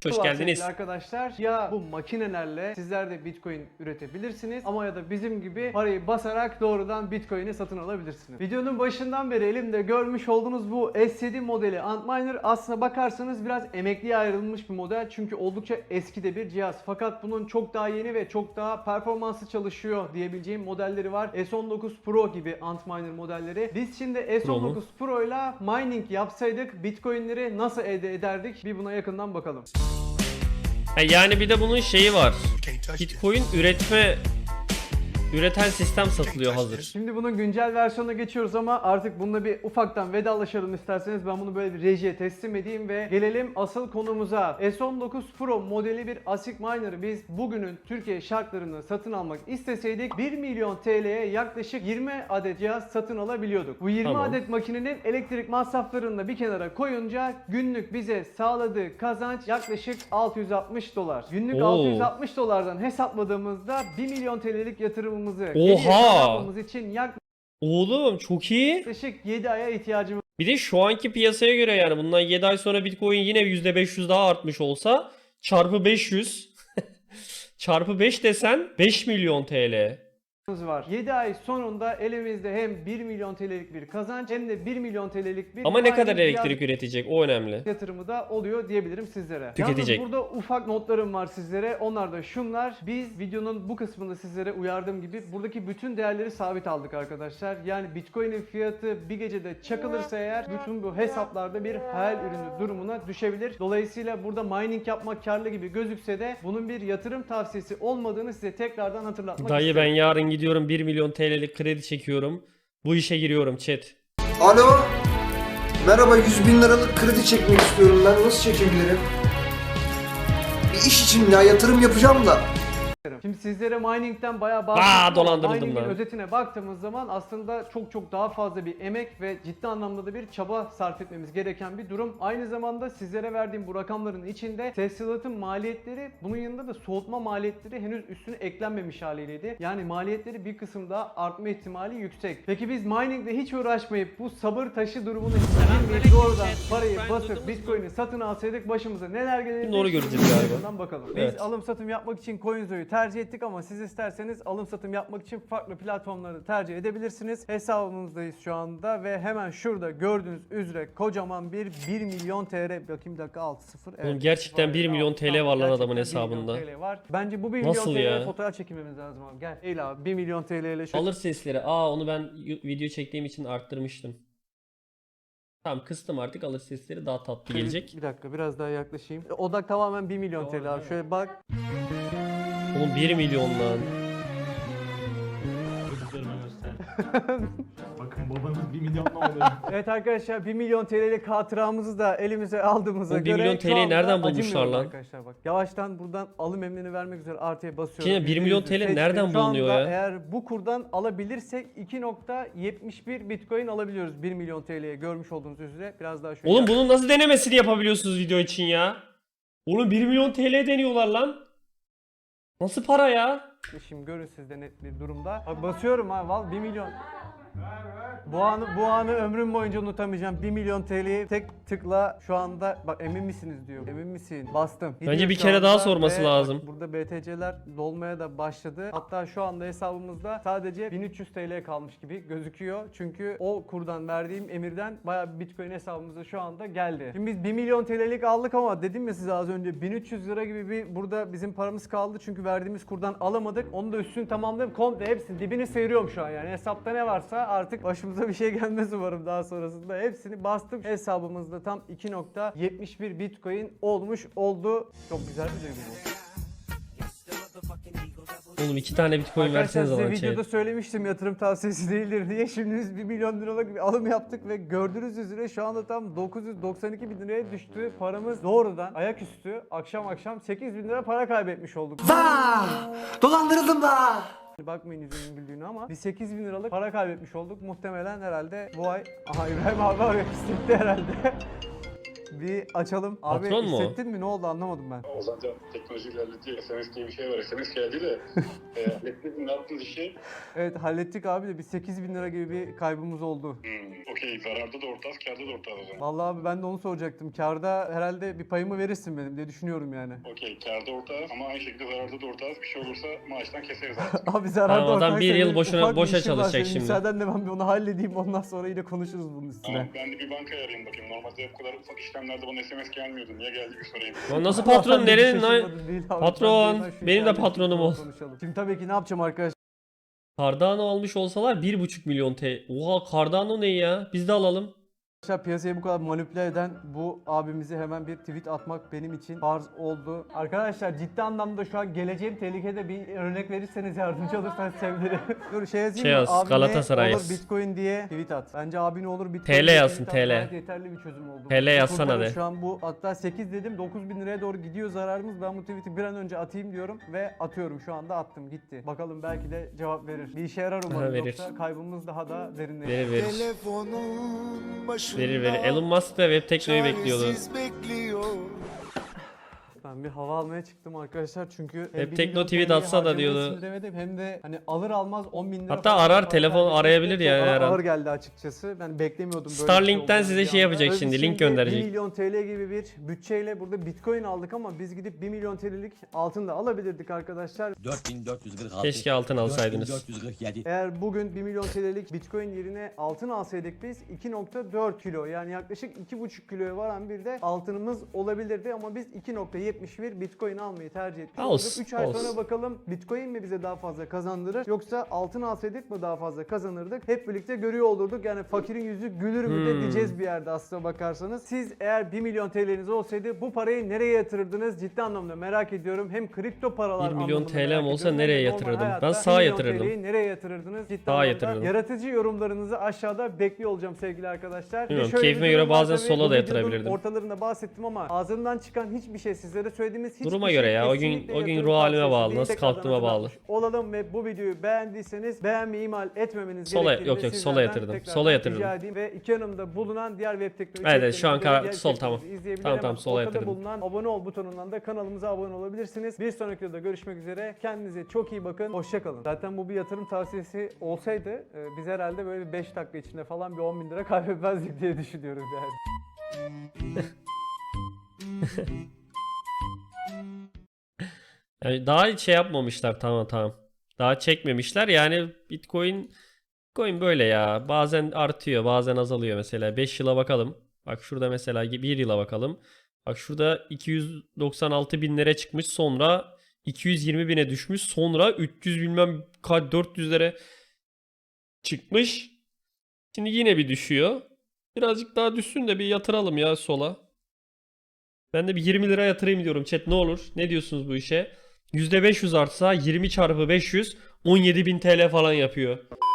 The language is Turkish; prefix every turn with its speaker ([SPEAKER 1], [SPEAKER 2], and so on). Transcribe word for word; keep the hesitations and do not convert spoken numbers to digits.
[SPEAKER 1] Hoş geldiniz.
[SPEAKER 2] Arkadaşlar, ya bu makinelerle sizler de Bitcoin üretebilirsiniz ama ya da bizim gibi parayı basarak doğrudan Bitcoin'i satın alabilirsiniz. Videonun başından beri elimde görmüş olduğunuz bu S yedi modeli Antminer aslına bakarsanız biraz emekliye ayrılmış bir model, çünkü oldukça eski de bir cihaz. Fakat bunun çok daha yeni ve çok daha performanslı çalışıyor diyebileceğim modelleri var. S on dokuz Pro gibi Antminer modelleri. Biz şimdi S on dokuz Pro ile mining yapsaydık Bitcoin'leri nasıl elde ederdik? Bir buna yakından bakalım.
[SPEAKER 1] Yani bir de bunun şeyi var. Bitcoin üretme üreten sistem satılıyor hazır.
[SPEAKER 2] Şimdi bunun güncel versiyonuna geçiyoruz ama artık bununla bir ufaktan vedalaşalım isterseniz. Ben bunu böyle bir rejiye teslim edeyim ve gelelim asıl konumuza. S on dokuz Pro modeli bir ASIC miner'ı biz bugünün Türkiye şartlarını satın almak isteseydik bir milyon T L'ye yaklaşık yirmi adet cihaz satın alabiliyorduk. Bu yirmi
[SPEAKER 1] Tamam.
[SPEAKER 2] adet makinenin elektrik masraflarını da bir kenara koyunca günlük bize sağladığı kazanç yaklaşık altı yüz altmış dolar. Günlük
[SPEAKER 1] Oo.
[SPEAKER 2] altı yüz altmış dolardan hesapladığımızda bir milyon T L'lik yatırımımızı
[SPEAKER 1] Oha!
[SPEAKER 2] için yaklaşık
[SPEAKER 1] Oğlum çok iyi.
[SPEAKER 2] yedi aya ihtiyacımız
[SPEAKER 1] Bir de şu anki piyasaya göre yani bundan yedi ay sonra Bitcoin yine yüzde beş yüz daha artmış olsa çarpı beş yüz çarpı beş desen beş milyon T L.
[SPEAKER 2] var. yedi ay sonunda elimizde hem bir milyon T L'lik bir kazanç hem de bir milyon T L'lik bir
[SPEAKER 1] Ama ne kadar
[SPEAKER 2] mining
[SPEAKER 1] elektrik üretecek o önemli.
[SPEAKER 2] yatırımı da oluyor diyebilirim sizlere.
[SPEAKER 1] Tüketecek.
[SPEAKER 2] Yalnız burada ufak notlarım var sizlere. Onlar da şunlar. Biz videonun bu kısmında sizlere uyardığım gibi buradaki bütün değerleri sabit aldık arkadaşlar. Yani Bitcoin'in fiyatı bir gecede çakılırsa eğer bütün bu hesaplarda bir hayal ürünü durumuna düşebilir. Dolayısıyla burada mining yapmak karlı gibi gözükse de bunun bir yatırım tavsiyesi olmadığını size tekrardan hatırlatmak
[SPEAKER 1] Dayı
[SPEAKER 2] isterim.
[SPEAKER 1] ben yarın gidiyorum bir milyon T L'lik kredi çekiyorum. Bu işe giriyorum chat.
[SPEAKER 3] Alo. Merhaba, yüz bin liralık kredi çekmek istiyorum ben. Nasıl çekebilirim? Bir iş için ya, yatırım yapacağım da.
[SPEAKER 2] Şimdi sizlere mining'den bayağı
[SPEAKER 1] Aa,
[SPEAKER 2] bahsettim.
[SPEAKER 1] dolandırıldım
[SPEAKER 2] Mining'in
[SPEAKER 1] lan.
[SPEAKER 2] özetine baktığımız zaman aslında çok çok daha fazla bir emek ve ciddi anlamda da bir çaba sarf etmemiz gereken bir durum. Aynı zamanda sizlere verdiğim bu rakamların içinde tesisatın maliyetleri, bunun yanında da soğutma maliyetleri henüz üstüne eklenmemiş haliyleydi. Yani maliyetleri bir kısım daha artma ihtimali yüksek. Peki biz mining'de hiç uğraşmayıp bu sabır taşı durumunu girmeyip doğrudan parayı basıp Bitcoin'i satın alsaydık başımıza neler gelirdi?
[SPEAKER 1] Doğru göreceğiz galiba.
[SPEAKER 2] Bundan bakalım. Biz
[SPEAKER 1] Evet.
[SPEAKER 2] alım satım yapmak için CoinZo'yu tercih ettik ama siz isterseniz alım satım yapmak için farklı platformları tercih edebilirsiniz. Hesabımızdayız şu anda ve hemen şurada gördüğünüz üzere kocaman bir bir milyon T L. Bakayım bir dakika, altı sıfır.
[SPEAKER 1] Oğlum gerçekten bir milyon T L var lan adamın hesabında.
[SPEAKER 2] bir milyon T L var. Bence bu bir milyon
[SPEAKER 1] Nasıl
[SPEAKER 2] T L'ye
[SPEAKER 1] ya?
[SPEAKER 2] fotoğraf çekilmemiz lazım abi. Gel. Eyle abi, bir milyon T L ile şöyle.
[SPEAKER 1] Alır sesleri. Aa onu ben video çektiğim için arttırmıştım. Tamam kıstım artık, alır sesleri daha tatlı gelecek.
[SPEAKER 2] Bir dakika biraz daha yaklaşayım. Odak tamamen bir milyon T L abi. Şöyle bak.
[SPEAKER 1] Oğlum bir milyon lan.
[SPEAKER 4] Çocuklarıma göster. Bakın babanız bir milyonla oluyor.
[SPEAKER 2] Evet arkadaşlar, bir milyon T L'lik hatıramızı da elimize aldığımıza
[SPEAKER 1] Oğlum bir
[SPEAKER 2] göre
[SPEAKER 1] milyon
[SPEAKER 2] şu
[SPEAKER 1] T L'yi
[SPEAKER 2] anda
[SPEAKER 1] nereden bulmuşlar
[SPEAKER 2] acımıyoruz
[SPEAKER 1] lan?
[SPEAKER 2] Arkadaşlar bak. Yavaştan buradan alım emrini vermek üzere artıya basıyorum.
[SPEAKER 1] Şimdi bir milyon T L nereden
[SPEAKER 2] Şu anda
[SPEAKER 1] bulunuyor ya?
[SPEAKER 2] Eğer bu kurdan alabilirsek iki nokta yetmiş bir Bitcoin alabiliyoruz bir milyon T L'ye, görmüş olduğunuz üzere. Biraz daha şöyle.
[SPEAKER 1] Oğlum bunun nasıl denemesini yapabiliyorsunuz video için ya? Oğlum bir milyon T L deniyorlar lan. Nasıl para ya?
[SPEAKER 2] Şimdi görün siz de net bir durumda. Bak basıyorum ha, val bir milyon. Bu anı, bu anı ömrüm boyunca unutamayacağım. bir milyon T L'yi tek tıkla şu anda, bak emin misiniz diyor. Emin misin? Bastım.
[SPEAKER 1] Bence
[SPEAKER 2] Gidiyor
[SPEAKER 1] bir
[SPEAKER 2] şu
[SPEAKER 1] kere daha
[SPEAKER 2] anda
[SPEAKER 1] sorması
[SPEAKER 2] ve
[SPEAKER 1] lazım.
[SPEAKER 2] bak burada B T C'ler dolmaya da başladı. Hatta şu anda hesabımızda sadece bin üç yüz T L kalmış gibi gözüküyor. Çünkü o kurdan verdiğim emirden bayağı bir Bitcoin hesabımıza şu anda geldi. Şimdi biz bir milyon T L'lik aldık ama dedim ya size az önce, bin üç yüz lira gibi bir burada bizim paramız kaldı. Çünkü verdiğimiz kurdan alamadık. Onu da üstünü tamamlayıp komple hepsini dibini sıyırıyorum şu an yani. Hesapta ne varsa artık başımıza bir şey gelmez umarım daha sonrasında. Hepsini bastım. Hesabımızda tam iki nokta yetmiş bir Bitcoin olmuş oldu. Çok güzel bir duygu bu.
[SPEAKER 1] Oğlum iki tane Bitcoin
[SPEAKER 2] Arkadaşlar
[SPEAKER 1] verseniz
[SPEAKER 2] size
[SPEAKER 1] bana
[SPEAKER 2] videoda
[SPEAKER 1] chat.
[SPEAKER 2] söylemiştim yatırım tavsiyesi değildir diye. Şimdi biz bir milyon liralık bir alım yaptık ve gördüğünüz üzere şu anda tam dokuz yüz doksan iki bin liraya düştü. Paramız doğrudan ayaküstü akşam akşam sekiz bin lira para kaybetmiş olduk.
[SPEAKER 3] Vaa! Dolandırıldım da.
[SPEAKER 2] Bakmayın yüzümün güldüğünü ama biz sekiz bin liralık para kaybetmiş olduk. Muhtemelen herhalde bu ay... Aha İbrahim abi arıyor, hissetti herhalde. Bir açalım. Abi
[SPEAKER 1] Patron mu o?
[SPEAKER 2] hissettin mi? Ne oldu anlamadım ben.
[SPEAKER 5] Ozancan teknoloji ilerledi. S M S diye bir şey var. S M S geldi de Ee, hallettiniz mi? Ne yaptınız işi?
[SPEAKER 2] Evet hallettik abi de bir sekiz bin lira gibi bir kaybımız oldu.
[SPEAKER 5] Hmm, okey. Zararda da ortağız, kârda da ortağız o zaman.
[SPEAKER 2] Vallahi abi ben de onu soracaktım. Karda herhalde bir payımı verirsin benim diye düşünüyorum yani.
[SPEAKER 5] Okey. Kârda ortağız ama aynı şekilde zararda da ortağız. Bir şey olursa maaştan keseriz artık.
[SPEAKER 2] Abi zararda
[SPEAKER 1] Tamam, adam
[SPEAKER 2] ortak
[SPEAKER 1] bir yıl
[SPEAKER 2] senin
[SPEAKER 1] boşuna-
[SPEAKER 2] ufak bir
[SPEAKER 1] boşa
[SPEAKER 2] işin var
[SPEAKER 1] çalışacak
[SPEAKER 2] senin.
[SPEAKER 1] şimdi.
[SPEAKER 2] Müsaadenle ben bir onu halledeyim ondan sonra yine konuşuruz bunun üstüne.
[SPEAKER 5] Tamam, ben de bir bankaya arayayım bakayım. Normalde bu kadar ufak işlemlerde bana S M S gelmiyordu. Niye geldi bir sorayım.
[SPEAKER 1] Lan nasıl
[SPEAKER 2] Ben
[SPEAKER 1] patron
[SPEAKER 2] de bir
[SPEAKER 1] nerenin lan?
[SPEAKER 2] şaşırmadım değil abi.
[SPEAKER 1] Patron,
[SPEAKER 2] Ben de şu
[SPEAKER 1] benim de
[SPEAKER 2] işlerle
[SPEAKER 1] patronum ol.
[SPEAKER 2] konuşalım. Şimdi tabii ki ne yapacağım arkadaşlar?
[SPEAKER 1] Cardano almış olsalar bir buçuk milyon T L. Oha Cardano ne ya? Biz de alalım.
[SPEAKER 2] Arkadaşlar piyasayı bu kadar manipüle eden bu abimizi hemen bir tweet atmak benim için farz oldu. Arkadaşlar ciddi anlamda şu an geleceğim tehlikede, bir örnek verirseniz yardımcı olursanız sevinirim. Dur şey yazayım
[SPEAKER 1] Şey
[SPEAKER 2] mı?
[SPEAKER 1] yaz,
[SPEAKER 2] Abi
[SPEAKER 1] Galatasaray
[SPEAKER 2] ne olur
[SPEAKER 1] yaz.
[SPEAKER 2] Bitcoin diye tweet at. Bence abi ne olur Bitcoin
[SPEAKER 1] T L
[SPEAKER 2] diye
[SPEAKER 1] yazsın,
[SPEAKER 2] tweet at.
[SPEAKER 1] T L.
[SPEAKER 2] Gayet yeterli bir çözüm oldu.
[SPEAKER 1] T L yazsana
[SPEAKER 2] Kurtarır
[SPEAKER 1] de.
[SPEAKER 2] Şu an bu hatta sekiz dedim dokuz bin liraya doğru gidiyor zararımız. Ben bu tweet'i bir an önce atayım diyorum ve atıyorum, şu anda attım gitti. Bakalım belki de cevap verir. Bir işe yarar umarım,
[SPEAKER 1] Aha, verir.
[SPEAKER 2] yoksa kaybımız daha da derinleşir.
[SPEAKER 1] Verir verir.
[SPEAKER 6] Telefonun başında
[SPEAKER 1] Verir verir. Elon Musk da web teknoyu bekliyordu.
[SPEAKER 6] çaresiz bekliyor.
[SPEAKER 2] Ben bir hava almaya çıktım arkadaşlar çünkü hem
[SPEAKER 1] Hep
[SPEAKER 2] bir
[SPEAKER 1] Tekno
[SPEAKER 2] milyon
[SPEAKER 1] tweet
[SPEAKER 2] T L'yi
[SPEAKER 1] atsa da
[SPEAKER 2] harcamayı
[SPEAKER 1] diyordu.
[SPEAKER 2] sindiremedim, hem de hani alır almaz on bin lira
[SPEAKER 1] Hatta
[SPEAKER 2] falan
[SPEAKER 1] arar,
[SPEAKER 2] para
[SPEAKER 1] telefon
[SPEAKER 2] kaybetmek
[SPEAKER 1] arayabilir
[SPEAKER 2] de
[SPEAKER 1] yani
[SPEAKER 2] çok
[SPEAKER 1] her an.
[SPEAKER 2] ağır geldi açıkçası. Ben beklemiyordum böyle
[SPEAKER 1] Starlink'ten
[SPEAKER 2] bir şey
[SPEAKER 1] size
[SPEAKER 2] olacağını
[SPEAKER 1] şey
[SPEAKER 2] bir
[SPEAKER 1] yapacak
[SPEAKER 2] anda.
[SPEAKER 1] şimdi,
[SPEAKER 2] Biz
[SPEAKER 1] link gönderecek.
[SPEAKER 2] bir milyon T L gibi bir bütçeyle burada Bitcoin aldık ama biz gidip bir milyon T L'lik altın da alabilirdik arkadaşlar.
[SPEAKER 7] dört bin dört yüz kırk altı.
[SPEAKER 1] Keşke altın alsaydınız.
[SPEAKER 7] dört bin dört yüz kırk yedi.
[SPEAKER 2] Eğer bugün bir milyon T L'lik Bitcoin yerine altın alsaydık biz iki nokta dört kilo, yani yaklaşık iki buçuk kiloya varan bir de altınımız olabilirdi ama biz iki nokta yetmiş bir Bitcoin almayı tercih ettik.
[SPEAKER 1] Olsun,
[SPEAKER 2] üç ay
[SPEAKER 1] olsun.
[SPEAKER 2] sonra bakalım Bitcoin mi bize daha fazla kazandırır yoksa altın alsaydık mı daha fazla kazanırdık? Hep birlikte görüyor olurduk. Yani fakirin yüzü gülür mü de
[SPEAKER 1] Hmm.
[SPEAKER 2] diyeceğiz bir yerde aslına bakarsanız. Siz eğer bir milyon T L'niz olsaydı bu parayı nereye yatırırdınız? Ciddi anlamda merak ediyorum. Hem kripto paralar
[SPEAKER 1] bir milyon
[SPEAKER 2] anlamında
[SPEAKER 1] T L'm
[SPEAKER 2] merak
[SPEAKER 1] olsa
[SPEAKER 2] ediyorum, hem de
[SPEAKER 1] nereye
[SPEAKER 2] normal
[SPEAKER 1] yatırırdım?
[SPEAKER 2] hayatta
[SPEAKER 1] Ben
[SPEAKER 2] bir
[SPEAKER 1] sağa
[SPEAKER 2] milyon
[SPEAKER 1] yatırırdım.
[SPEAKER 2] T L'yi nereye yatırırdınız? Ciddi
[SPEAKER 1] Sağa
[SPEAKER 2] anlamda
[SPEAKER 1] yatırırdım.
[SPEAKER 2] yaratıcı yorumlarınızı aşağıda bekliyor olacağım sevgili arkadaşlar. Bir de
[SPEAKER 1] Bilmiyorum,
[SPEAKER 2] şöyle
[SPEAKER 1] keyfime
[SPEAKER 2] bir
[SPEAKER 1] göre
[SPEAKER 2] durum var
[SPEAKER 1] bazen
[SPEAKER 2] tabii,
[SPEAKER 1] sola
[SPEAKER 2] bu
[SPEAKER 1] da
[SPEAKER 2] videonun
[SPEAKER 1] yatırabilirdim.
[SPEAKER 2] Ortalarında bahsettim ama ağzımdan çıkan hiçbir şey, sizlere söylediğimiz hiçbir
[SPEAKER 1] Duruma
[SPEAKER 2] şey
[SPEAKER 1] göre ya, o gün-
[SPEAKER 2] kesinlikle
[SPEAKER 1] o gün
[SPEAKER 2] yatırım
[SPEAKER 1] ruh halime
[SPEAKER 2] tavsiyesi
[SPEAKER 1] bağlı,
[SPEAKER 2] değil.
[SPEAKER 1] nasıl
[SPEAKER 2] Tekrardan
[SPEAKER 1] kalktığıma bağlı.
[SPEAKER 2] hatırlatmış olalım ve bu videoyu beğendiyseniz beğenmeyi ihmal etmemeniz
[SPEAKER 1] Sola-
[SPEAKER 2] gerektiğini
[SPEAKER 1] yok, yok, sola
[SPEAKER 2] sizlerden
[SPEAKER 1] yatırdım.
[SPEAKER 2] tekrardan
[SPEAKER 1] Sola yatırdım.
[SPEAKER 2] rica edeyim ve iki yanımda bulunan diğer web teknoloji
[SPEAKER 1] Evet, evet, şu an
[SPEAKER 2] içeriklerimizi,
[SPEAKER 1] karar-
[SPEAKER 2] diğer
[SPEAKER 1] sol, tamam.
[SPEAKER 2] içeriklerimizi izleyebilir
[SPEAKER 1] Tamam,
[SPEAKER 2] ama
[SPEAKER 1] tamam, sola
[SPEAKER 2] ortada
[SPEAKER 1] yatırdım.
[SPEAKER 2] bulunan abone ol butonundan da kanalımıza abone olabilirsiniz. Bir sonraki videoda görüşmek üzere. Kendinize çok iyi bakın. Hoşça kalın. Zaten bu bir yatırım tavsiyesi olsaydı e, biz herhalde böyle bir beş dakika içinde falan bir on bin lira kaybetmezdik diye düşünüyoruz yani.
[SPEAKER 1] Yani daha şey yapmamışlar, tamam tamam. Daha çekmemişler yani. Bitcoin Bitcoin böyle ya. Bazen artıyor, bazen azalıyor mesela. beş yıla bakalım. Bak şurada mesela bir yıla bakalım. Bak şurada iki yüz doksan altı binlere çıkmış, sonra iki yüz yirmi bine düşmüş, sonra üç yüz bilmem kaç dört yüzlere çıkmış. Şimdi yine bir düşüyor. Birazcık daha düşsün de bir yatıralım ya sola. Ben de bir yirmi lira yatırayım diyorum chat, ne olur. Ne diyorsunuz bu işe? yüzde beş yüz artsa yirmi çarpı beş yüz on yedi bin T L falan yapıyor.